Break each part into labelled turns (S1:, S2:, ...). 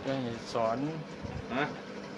S1: จะให้สอน
S2: ฮะ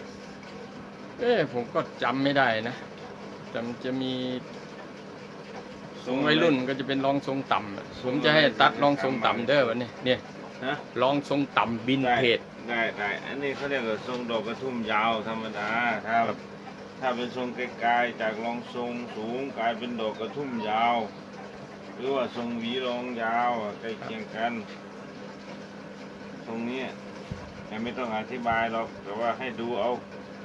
S1: ผมก็จำไม่ได้นะแต่มันจะมีทรงวัยรุ่นก็จะเป็นรองทรงต่ำผมจะให้ตัดรองทรงต่ำเด้อวันนี้เนี่ย
S2: ฮะ
S1: รองทรงต่ำบินเพจ
S2: ได้อันนี้เขาเรียกว่าทรงดอกกระทุ่มยาวธรรมดาถ้าเป็นทรงไกลๆจากรองทรงสูงกลายเป็นดอกกระทุ่มยาว หรือว่าทรงหวีรองยาวใกล้เคียงกันตรงนี้ยังไม่ต้องอธิบายหรอกแต่ว่าให้ดูเอา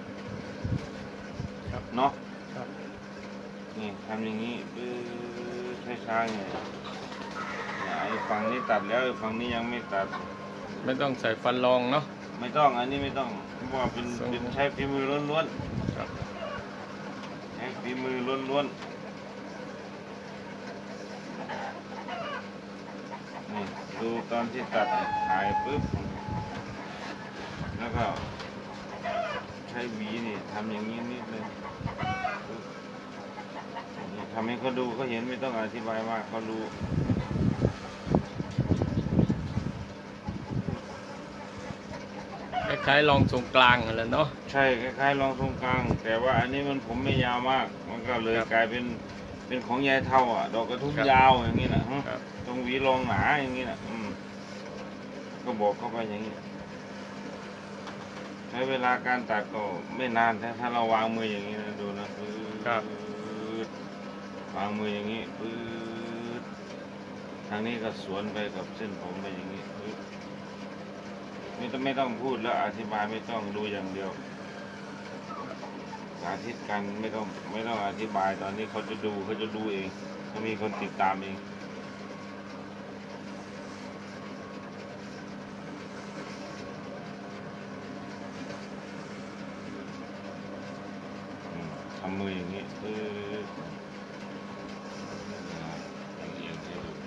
S1: ครับ
S2: เนาะ
S1: ครับ
S2: นี่ทำอย่างนี้ช้าๆเนี่ยไอ้ฝั่งนี้ตัดแล้วไอ้ฝั่งนี้ยังไม่ตัด
S1: ไม่ต้องใส่ฟันรองเนาะ
S2: ไม่ต้องอันนี้ไม่ต้องเพราะว่าเป็นใช้ฝีมือล้วน
S1: ครับ
S2: ๆใช้ฝีมือล้วนๆนี่ดูตอนที่ตัดถ่ายปุ๊บแล้วก็ใช้หวีนี่ทำอย่างนี้นิดนึงนี่ทำให้เขาดูเขาเห็นไม่ต้องอธิบายมากเขารู้
S1: คล้ายๆรองทรงกลางนั่นแหละเนาะ
S2: ใช่คล้ายๆรองทรงกลาง แต่ว่าอันนี้มันผมไม่ยาวมาก มันก็เลย
S1: ครับ
S2: กลายเป็นของยายเท่าอ่ะ ดอกกระทุ่ม
S1: ครับ
S2: ยาวอย่างนี้นะ
S1: ครับ
S2: ตรงหวีรองหนาอย่างนี้นะก็บอกเข้าไปอย่างนี้ใช้เวลาการตัดก็ไม่นานถ้าเราวางมืออย่างนี้นะดูนะปื๊ด
S1: ครับ
S2: วางมืออย่างนี้ปื๊ดทางนี้ก็สวนไปกับเส้นผมไปอย่างนี้ปื๊ดไม่ต้องพูดแล้วอธิบายไม่ต้องดูอย่างเดียวสาธิตกันไม่ต้องอธิบายตอนนี้เขาจะดูเองเขามีคนติดตามเองทำมืออย่างนี้เอียงให้ดู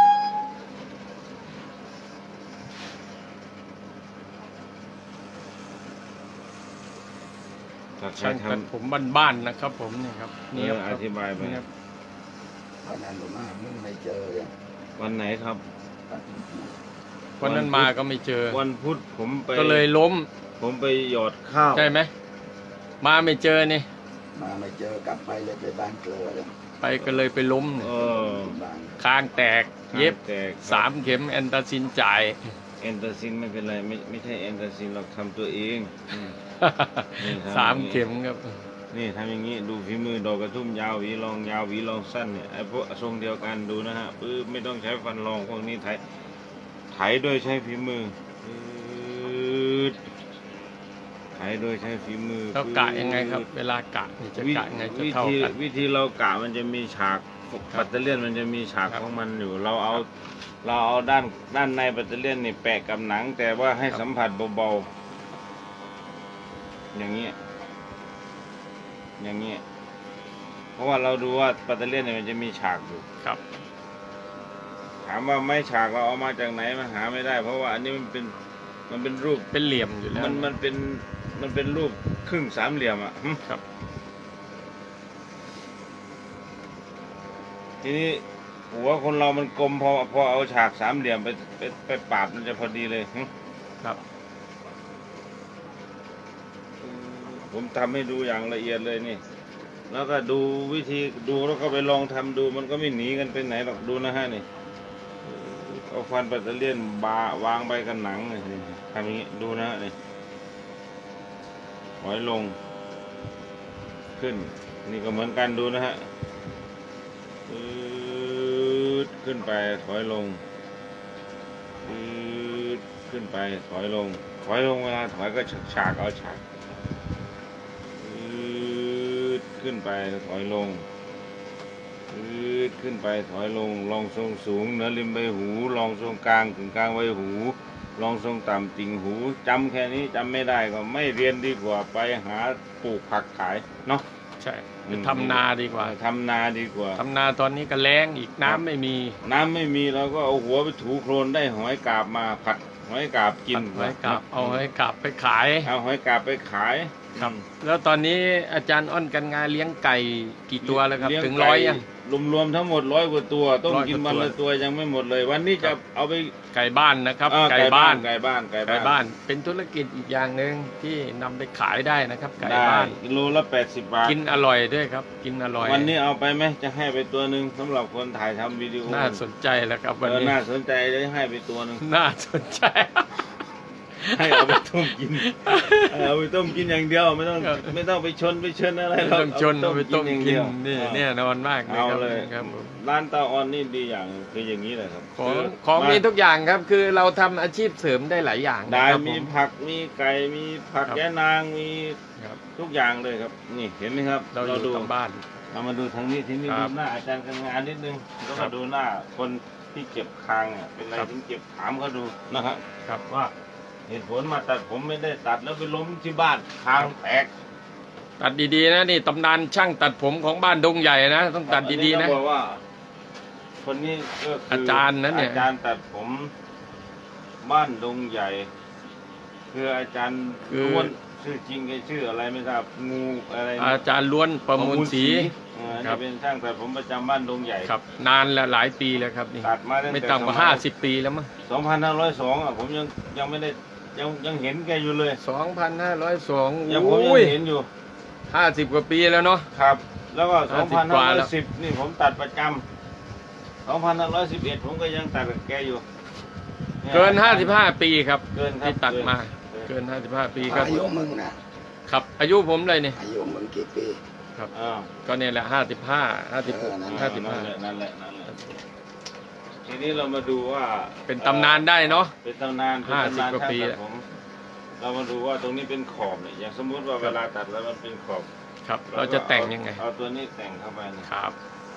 S2: ถ้าใคร
S1: ช่าง
S2: ท
S1: ตัดผมบ้านๆนะครับผมนี่ครับ
S2: ำ
S1: นี่ครับ
S2: อธิบายไป
S1: นี่ครับ
S3: วันนั้นผมหามึงไม่เจอเลย
S2: วันไหนครับ
S1: วันนั้นมาก็ไม่เจอ
S2: วันพุธผมไป
S1: ก็เลยล้ม
S2: ผมไปหยอดข้าว
S1: ใช่ไหมมาไม่เจอนี่
S3: มาไม่เจอกลับไปเลยไปบ้านเกลือเลย
S1: ไปก็เลยไปล้ม
S2: เออ
S3: บ้าน
S1: คางแตกเย็บ
S2: แต่
S1: 3 เข็มแอนตาซินจ่าย
S2: แอนตาซินไม่เป็นไรไม่ใช่แอนตาซินเราทำตัวเองนี่ครับ
S1: 3 เข็มครับ
S2: นี่ทำอย่างนี้ดูฝีมือดอกกระทุ่มยาวหวีรองยาวหวีรองสั้นเนี่ยไอ้พวกทรงเดียวกันดูนะฮะปื้ไม่ต้องใช้ฟันรองพวกนี้ไถโดยใช้ฝีมือไถโดยใช้ฝีมือ
S1: เรากะยังไงครับ เวลากะนี่จะกะยังไงจะเท่ากัน
S2: วิธีเรากะมันจะมีฉากปัตเตอร์เลียนมันจะมีฉาก
S1: ครับ
S2: ของมันอยู่เราเอาด้านในปัตเตอร์เลียนนี่แปะกับหนัง แต่ว่าให้
S1: ครับ
S2: สัมผัสเบาๆอย่างนี้เพราะว่าเราดูว่าปัตเตอร์เลียนเนี่ยมันจะมีฉากอยู่
S1: ครับ
S2: ถามว่าไม้ฉากเราเอามาจากไหนมันหาไม่ได้ เพราะว่าอันนี้มันเป็นรูป
S1: เป็นเหลี่ยมอยู่แล้ว
S2: มันเป็นรูปครึ่งสามเหลี่ยมอ่ะ
S1: ครับ
S2: ทีนี้หัวคนเรามันกลมพอเอาฉากสามเหลี่ยมไปปาดมันจะพอดีเลย
S1: ครับ
S2: ผมทำให้ดูอย่างละเอียดเลยนี่ แล้วก็ดูวิธีดูแล้วก็ไปลองทำดูมันก็ไม่หนีกันไปไหนหรอกดูนะฮะนี่เอาฟันปัตเตอร์เลียนวางไปกับหนังนี่ทำอย่างนี้ดูนะฮะนี่ถอยลงขึ้นนี่ก็เหมือนกันดูนะฮะขึ้นไปถอยลงขึ้นไปถอยลงเวลาถอยก็ฉากเอาฉากขึ้นไปถอยลงขึ้นไปถอยลงลองทรงสูงเหนือริมใบหูลองทรงกลางถึงกลางใบหูลองทรงต่ำติ่งหูจำแค่นี้จำไม่ได้ก็ไม่เรียนดีกว่าไปหาปลูกผักขายเนาะ
S1: ใช่ไปทำนาดีกว่า
S2: ทำนาดีกว่า
S1: ทำนาตอนนี้ก็แล้งอีกน้ำไม่มี
S2: น้ำไม่มีเราก็เอาหัวไปถูโคลนได้หอยกาบมาผัดหอยกาบกิน
S1: หอยกาบเอาหอยกาบไปขาย
S2: เอาหอยกาบไปขาย
S1: ครับ แล้วตอนนี้อาจารย์อ้อนกันงานเลี้ยงไก่กี่ตัวแล้วครับ
S2: เลี้ย
S1: ถึง100ยัง
S2: รวมๆทั้งหมด100 กว่าตัวต้ม
S1: 100
S2: กิน
S1: กว่า
S2: วัน
S1: ตัว
S2: ละตัวยังไม่หมดเลย วันนี้
S1: ครั
S2: จะ
S1: บ
S2: เอาไป
S1: ไก่บ้านนะครับ
S2: ไก่บ้านไก่บ้าน
S1: เป็นธุรกิจอีกอย่างหนึ่งที่นำไปขายได้นะครับไก่
S2: ได้
S1: บ้าน
S2: กิโลละ80 บาท
S1: กินอร่อยด้วยครับ กินอร่อย
S2: วันนี้เอาไปไหมจะให้ไปตัวหนึ่งสำหรับคนถ่ายทำวิดีโอ
S1: น่าสนใจแล้วครับวันนี้
S2: น่าสนใจเลยให้ไปตัวหนึ่ง
S1: น่าสนใจ
S2: ให้เอาไปต้มกินเอาไปต้มกินอย่างเดียวไม่ต้อง
S1: ครับ
S2: ไม่ต้องไปชนอะไร
S1: ไม่
S2: หรอก
S1: ต้องชน
S2: เอา
S1: ไปต้ม
S2: อย่าง
S1: กิ
S2: เดี
S1: น
S2: ยว
S1: นี่
S2: อา
S1: แน่นอนมากเลย
S2: เอา
S1: ครับ
S2: เลย
S1: ครับผม
S2: ร้านตาออนนี่ดีอย่างคืออย่างนี้แหละครับ
S1: ของมีทุกอย่างครับคือเราทำอาชีพเสริมได้หลายอย่าง
S2: ได้
S1: นะครับ
S2: มี
S1: ผม
S2: ผักมีไก่มีผัก
S1: ครับ
S2: แย่นางมี
S1: ครับ
S2: ทุกอย่างเลยครับ นี่เห็นไหมครับ
S1: เราอยู่
S2: ดู
S1: ทางบ้าน
S2: เรามาดูทางนี้ทีนี้
S1: ครั
S2: ดู
S1: บ
S2: หน้าอาจารย์การงานนิดนึงแล้ว
S1: ครั
S2: มา
S1: บ
S2: ดูหน้าคนที่เก็บคางอ่ะเป็นอะไร
S1: ครับ
S2: ถึงเก็บถามเขาดูนะครับ
S1: ครับ
S2: ว่าเหตุผลมาตัดผมไม่ได้ตัดแล้วไปล้มที่บ้านคางแตก
S1: ตัดดีๆนะนี่ตำนานช่างตัดผมของบ้านดงใหญ่นะต้องตัดดีๆนะ
S2: อัต้องบอกว่า คนนี้ก็คือ
S1: อาจารย์นะเนี่ย
S2: อาจารย์ตัดผมบ้านดงใหญ่ คืออาจารย์ล้วนชื่อจริงแกชื่ออะไรไม่ทราบงูอะไร
S1: อาจารย์ล้วนประมูลศรี ครั
S2: นี่
S1: บ
S2: เป็นช่างตัดผมประจำบ้านดงใหญ่
S1: ครับนานแล้วหลายปีแล้วครับนี่
S2: ตัดมาตั้งแต่
S1: ไม่ต่ำกว่า50 ปีแล้วมั้ง
S2: 2502อ่ะผมยังไม่ได้ยังเห็นแกอยู่เลย
S1: 2,502
S2: ยังผมยั
S1: โอ้ย
S2: งเห็นอยู่
S1: 50 กว่าปีแล้วเนาะ
S2: ครับ แล้วก็
S1: 50กว่าแล้ว
S2: 2510นี่ผมตัดประจำ2511ผมก็ยังตัดกับแกอยู่ย
S1: เกิน 55 ปีครับ
S2: เกินครับ
S1: ที่ตัดมา
S2: เกิน
S1: เกิน 55 ปีครับ
S3: อายุมึงนะครับ
S1: อายุผมเลยนี่
S3: อายุมึงกี่ปี
S1: ครับ
S2: อ่า
S1: ก็เนี่ยแหละ55 56
S2: นั่นแหละนั่นแหละทีนี้เรามาดูว่า
S1: เป็นตำนานได้เนาะ
S2: เป็นตำนานเป็นตำนาน
S1: 50กว่าปี
S2: ช่งตัดผมเรามาดูว่าตรงนี้เป็นขอบเนี่ยอย่างสมมุติว่าเวลาตัดแล้วมันเป็นขอบ
S1: ครับ เราจะแต่งยังไง
S2: เอาตัวนี้แต่งเข้าไปเนี่ย
S1: ครับ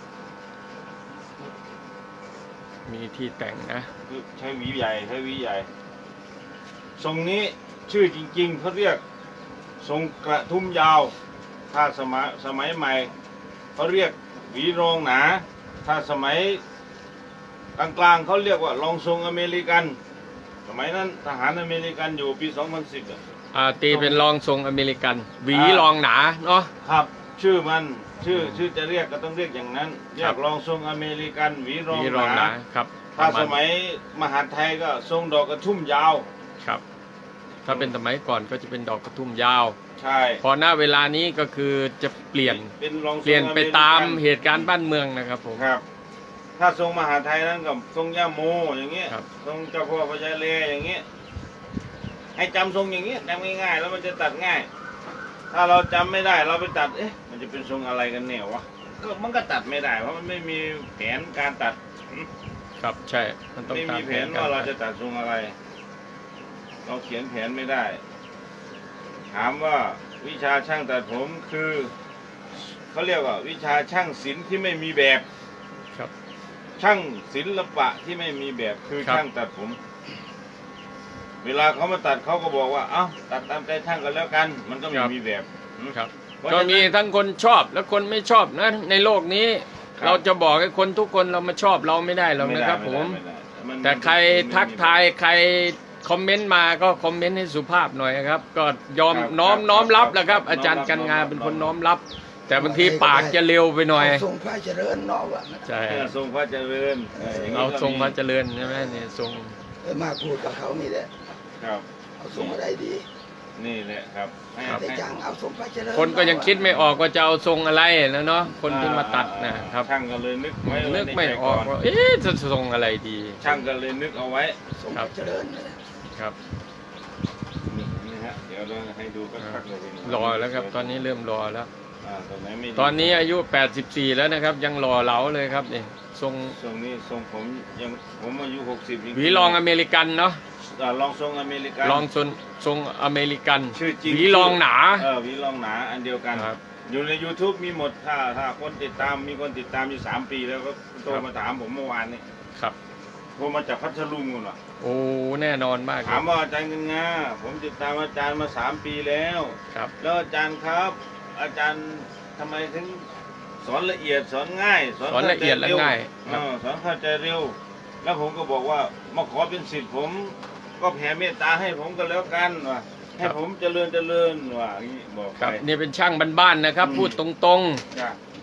S1: มีที่แต่งนะ
S2: คือใช้หวีใหญ่ใช้หวีใหญ่ทรงนี้ชื่อจริงๆเขาเรียกทรงกระทุ่มยาว ถ้าสมัยใหม่เขาเรียกหวีรองหนา ถ้าสมัยกลางๆเขาเรียกว่ารองทรงอเมริกัน สมัยนั้นทหารอเมริกันอยู่ปี 2010อ่ะ
S1: ตีเป็นรองทรงอเมริกัน หวีรองหนาเนาะ
S2: ครับ ชื่อมันชื่อจะเรียกก็ต้องเรียกอย่างนั้น เรียกรองทรงอเมริกันหวีร
S1: ห
S2: อง
S1: วีรอง
S2: ห
S1: ห
S2: นา
S1: นาครับ
S2: ถ้า
S1: ประ
S2: ส
S1: ณ
S2: มัยมหาดไทยก็ทรงดอกกระทุ่มยาว
S1: ครับ ถ้าเป็นสมัยก่อนก็จะเป็นดอกกระทุ่มยาว
S2: ใช่
S1: พอหน้าเวลานี้ก็คือจะเปลี่ยน
S2: เป็นรองทรง
S1: เปลี่ยนไป
S2: อเริกัน
S1: ตามเหตุการณ์บ้านเมืองนะครับผม
S2: ครับ ถ้าทรงมหาดไทยนั้นกับทรงย่าโมอย่างเงี้ย
S1: ครับ
S2: ทรงเจ้าพ่อพญาเลอย่างเงี้ยให้จำทรงอย่างเงี้ยจำง่ายๆแล้วมันจะตัดง่าย ถ้าเราจำไม่ได้เราไปตัดมันจะเป็นทรงอะไรกันเนี่ยวะก็มันก็ตัดไม่ได้เพราะมันไม่มีแผนการตัด
S1: ครับใช่มันต้อง
S2: ไม่
S1: ตาม
S2: มี
S1: แผ
S2: แผ
S1: น
S2: น
S1: กั
S2: ว่าน เราจะตัดทรงอะไร เราเขียนแผนไม่ได้ ถามว่าวิชาช่างตัดผมคือเขาเรียกว่าวิชาช่างศิลป์ที่ไม่มีแบบ
S1: ครับ
S2: ช่างศิลปะที่ไม่มีแบบคือ
S1: ครับ
S2: ช่างตัดผม เวลาเขามาตัดเขาก็บอกว่าเอ้าตัดตามใจช่างกันแล้วกัน มันก็ไม่มีแบบอืม
S1: ครับ
S2: เพราะ
S1: ก็
S2: ฉะนั้น
S1: มีทั้งคนชอบและคนไม่ชอบนะในโลกนี้
S2: ครับ
S1: เราจะบอกให้คนทุกคนเรามาชอบเราไม่ได้หรอกนะครับผม
S2: ไได้มัน
S1: แต่ใคร
S2: มัน
S1: ทักทายใครคอมเมนต์มาก็คอมเมนต์ให้สุภาพหน่อยนะครับ ก็ยอม
S2: ครับ
S1: น้อมรับแหละครับ
S2: ครับ
S1: อาจารย์กันงาน
S2: น้อมรับ
S1: เป็นคนน้อมรับ แต่บางทีปากจะเร็วไปหน่อย
S3: เอาทรงพระเจริญนอกอ่ะ
S1: ใช่
S2: ทรงพระเจริญย่นี้
S1: เอา
S2: ก็
S1: ทรงพระ
S2: มี
S1: เจริญใช่ไหมเนี่ยทรง
S3: มาพูดกับเขานี่แหละ
S2: ครับ
S3: เอาทรงอะไรดี
S2: นี่แหละครับให้
S3: แต่
S2: ให้
S3: จังเอาทรงพระเจริญ
S1: คนก็ยังคิดไม่ออกว่าจะเอาทรงอะไรนะเนาะคนที่มาตัดนะครับ
S2: ช่างก็เลยนึกไว้
S1: นึกไม่
S2: ในใจ
S1: ออกว่าเอ๊ะจะทรงอะไรดี
S2: ช่างก็เลยนึกเอาไว้
S3: ทรงพระเจริญเลย
S1: ครับ
S2: นี่ฮะเดี๋ยวเราให้ดูก็คักเลย
S1: รอแล้วครับตอนนี้เริ่มรอแล้ว
S2: ตรงไหนไม่ดี
S1: ตอนนี้อายุ 84 แล้วนะครับ ยังหล่อเหลาเลยครับนี่ทรง
S2: ทรงนี้ทรงผมอายุ60จริงๆ
S1: หวีรองอเมริกันเนาะ
S2: ลองทรงอเมริกัน
S1: รองทรงอเมริกัน
S2: ชื่อจริง
S1: หวีรองหนา
S2: หวีรองหนาอันเดียวกัน
S1: ครับ
S2: อยู่ใน YouTube มีหมดถ้าคนติดตามมีคนติดตามอยู่3 ปีแล้วก็โทรมาถามผมเมื่อวานนี้
S1: ครับ
S2: โทรมาจากพัทลุงนู่นว่ะ
S1: โอ้แน่นอนมากค
S2: ถา
S1: รั
S2: ม
S1: บ
S2: ว่าอาจารย์เงินงาผมติดตามอาจารย์มา3 ปีแล้ว
S1: ครับ
S2: แล้วอาจารย์ครับ อาจารย์ทำไมถึงสอนละเอียดสอนง่าย
S1: สอนละเอียดและง่ายครับ
S2: สอนเข้าใจเร็ว แล้วผมก็บอกว่ามาขอเป็นศิษย์ผมก็แผ่เมตตาให้ผมก็แล้วกันว่ะให้ผมเจริญว่ะอย่างนี้บอก
S1: ครับ
S2: ไป
S1: นี่เป็นช่างบ้านๆนะครับ พูดตรง
S2: จ้ะ
S1: ๆ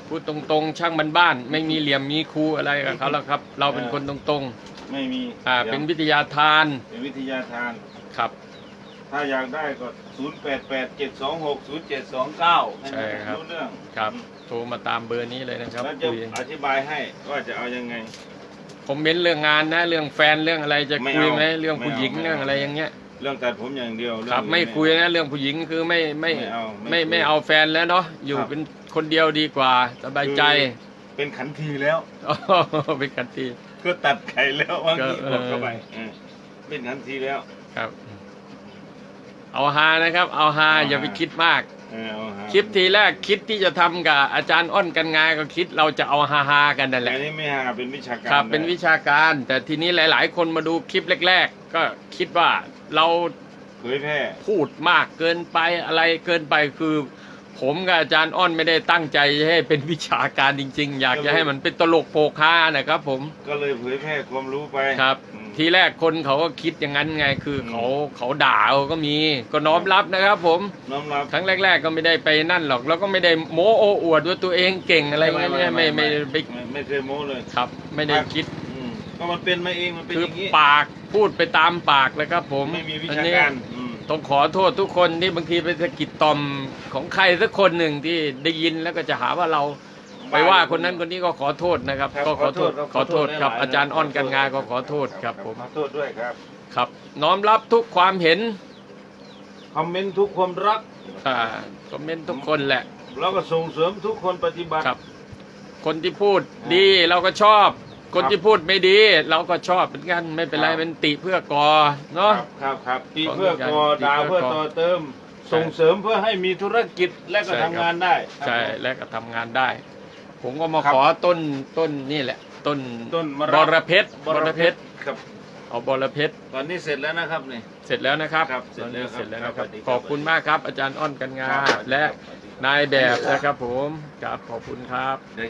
S1: พูดตรงๆช่างบ้านๆไม่มีเหลี่ยมมีคูอะไรกับเขาแล้วครับ เราเป็นคนตรง
S2: ไม่มี
S1: ๆเป็นวิทยาทาน
S2: เป็นวิทยาทาน
S1: ครับ
S2: ถ้าอยากได้ก็ 0887260729
S1: ใช่ครับ
S2: รู้เรื่อง
S1: ครับโทรมาตามเบอร์นี้เลยนะครับ
S2: แล้วจะ
S1: คุย
S2: อธิบายให้ว่าจะเอายังไง
S1: คอมเมนต์เรื่องงานนะเรื่องแฟนเรื่องอะไรจะ
S2: ไม่
S1: คุย
S2: เอา
S1: ไหมเรื่องผู้หญิง
S2: ไม่เอา
S1: เรื่องอะไรอย่างเงี้ย
S2: เรื่องตัดผมอย่างเดียว
S1: ครับ
S2: เรื่อง
S1: ไม่
S2: อื่น
S1: คุยนะเรื่องผู้หญิงคือไม่
S2: ไม่เอาไม่คุย
S1: ไม่เอาแฟนแล้วเนาะอยู่
S2: ครับ
S1: เป็นคนเดียวดีกว่าสบายใจ
S2: เป็นขันทีแล้ว
S1: เป็นกันที
S2: ก็ตัดไข่แล้วบางที
S1: ก็
S2: กดเข้าไปเป็นขันทีแล้ว
S1: ครับ เอาฮานะครับ เอาฮา
S2: เอาฮา
S1: อย่าไปคิดมาก
S2: เอาหา
S1: คลิปทีแรกคิดที่จะทำกับอาจารย์อ้อนกันงาก็คิดเราจะเอาฮาๆกันนั่นแห
S2: แต่
S1: ละ
S2: อันนี้ไม่หาเป็นวิชาการ
S1: ครับ
S2: ได้
S1: เป็นวิชาการ แต่ทีนี้หลาย ๆ คนมาดูคลิปแรก ๆ ก็คิดว่าเรา
S2: เผยแพร่
S1: พูดมากเกินไปอะไรเกินไปคือ ผมกับอาจารย์อ้อนไม่ได้ตั้งใจให้เป็นวิชาการจริง ๆ อยากจะให้มันเป็นตลกโปกฮานะครับผม
S2: ก็เลยเผยแพร่ความรู้ไป
S1: ครับ
S2: อืม
S1: ทีแรกคนเขาก็คิดอย่างนั้นไงคือเขาด่าเอาก็มีก็น้อมรับนะครับ ผม
S2: น้อมรับ
S1: ครั้งแรก ๆ ก็ไม่ได้ไปนั่นหรอกแล้วก็ไม่ได้โม้โอ้อวดว่าตัวเองเก่งอะไรเงี้ยไม่ไป
S2: ไม่เคยโม้เลย
S1: ครับ ไม่ได้คิด
S2: อืมก็มันเป็นมาเองมันเป็น
S1: คือ
S2: อย่างนี้
S1: ปากพูดไปตามปากเลยครับ ผม
S2: ไม่มีวิ
S1: อัน
S2: ชา
S1: นี้
S2: การอืม
S1: ต้องขอโทษทุกคนที่บางทีไปสะกิดต่อมของใครสักคนหนึ่งที่ได้ยินแล้วก็จะหาว่าเราไปว่าคนนั้นคนนี้ก็ขอโทษนะครับ
S2: ครับ
S1: ก็ขอโทษ
S2: ขอโทษ
S1: ครับ
S2: หลายๆ
S1: อาจารย์อ้อนกันงาก็ขอโทษครับผม
S2: ขอโทษด้วยครับ
S1: ครับ น้อมรับทุกความเห็น
S2: คอมเมนต์ทุกความรัก
S1: คอมเมนต์ทุกคนแหละ
S2: แล้วก็ส่งเสริมทุกคนปฏิบัติ
S1: ครับ คนที่พูดดีเราก็ชอบ คนที่พูดไม่ดี เราก็ชอบเหมือนกันไม่เป็นไร
S2: ครับ
S1: เป็นติเพื่อก่อเนาะ
S2: ครับตีเพื่อก่อ
S1: ตี
S2: ด่า
S1: เพื่
S2: เพื่
S1: อ
S2: อ
S1: ก่อ
S2: ต่อเติม ส่งเสริมเพื่อให้มีธุรกิจและก็
S1: ใช่
S2: ทำ
S1: ครับ
S2: งานได้
S1: ใช่
S2: ครับ
S1: และก็ทำงานได้ ผมก็มา
S2: ครับ
S1: ขอต้นนี่แหละ ต้น
S2: ต้นมะ
S1: บ
S2: ระ
S1: รเพชร
S2: บรเพชรครับ
S1: เอาบรเพชร
S2: ตอนนี้เสร็จแล้วนะครับนี่
S1: เสร็จแล้วนะครับ
S2: ครับเสร็
S1: ตอ
S2: จ
S1: น
S2: แล้ว
S1: นี้
S2: ครับ
S1: เสร็จแล้วนะค
S2: ครั
S1: รั
S2: บบ สวัสดีครับ
S1: ขอบคุณมากครับ อาจารย์อ้อนกันงา
S2: ครับ
S1: และนายแบบนะครับผมครับขอบคุณครับ